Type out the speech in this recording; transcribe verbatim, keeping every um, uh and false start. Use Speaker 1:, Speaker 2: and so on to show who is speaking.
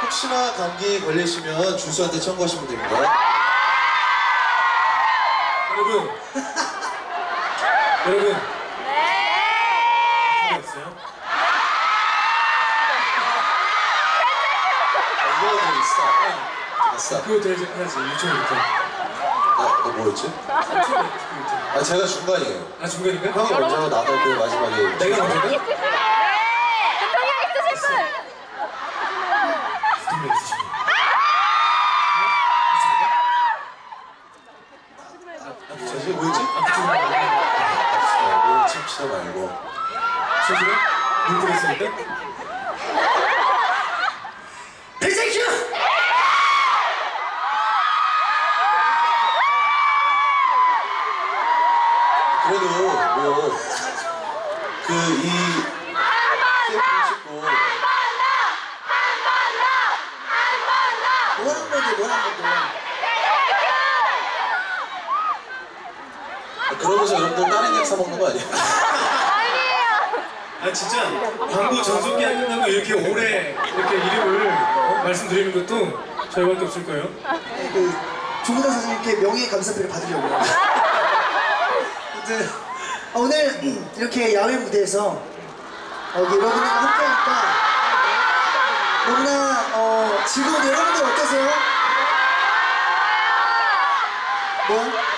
Speaker 1: 혹시나 감기 걸리시면 주수한테 청구하시면 됩니다.
Speaker 2: 여러분, 여러분. 네. 없어요?
Speaker 1: 이거 있어. 됐어.
Speaker 2: 그거 되지 해야지 유튜브부터.
Speaker 1: 나, 너 뭐였지? 아 제가 중간이에요.
Speaker 2: 아 중간인가?
Speaker 1: 형이 먼저 나도 그 마지막에.
Speaker 2: 내가 먼저가?
Speaker 3: 네! 대통령 있으신 분!
Speaker 2: 두명 있으시고.
Speaker 1: 저지 뭐였지?
Speaker 2: 그쪽 말고.
Speaker 1: 말고 침치도 말고.
Speaker 2: 소주가? 물 뿌렸으니까?
Speaker 4: 백세큐!
Speaker 1: 그래도 뭐 그 이 세븐 찍고
Speaker 4: 뭐한 건데 뭐한 건데
Speaker 1: 그러면서 여러분들 다른 약 사 먹는 거 아니야?
Speaker 2: 아 진짜 광고 전속기 끝나고 이렇게 오래 이렇게 이름을 어? 말씀드리는 것도 저희밖에 없을 거예요.
Speaker 4: 그 조문아 선생님께 명예 감사패를 받으려고요. 아무튼 오늘 이렇게 야외 무대에서 여기 여러분들과 함께하니까 너무나 어, 즐거운데 여러분들 어떠세요? 뭐?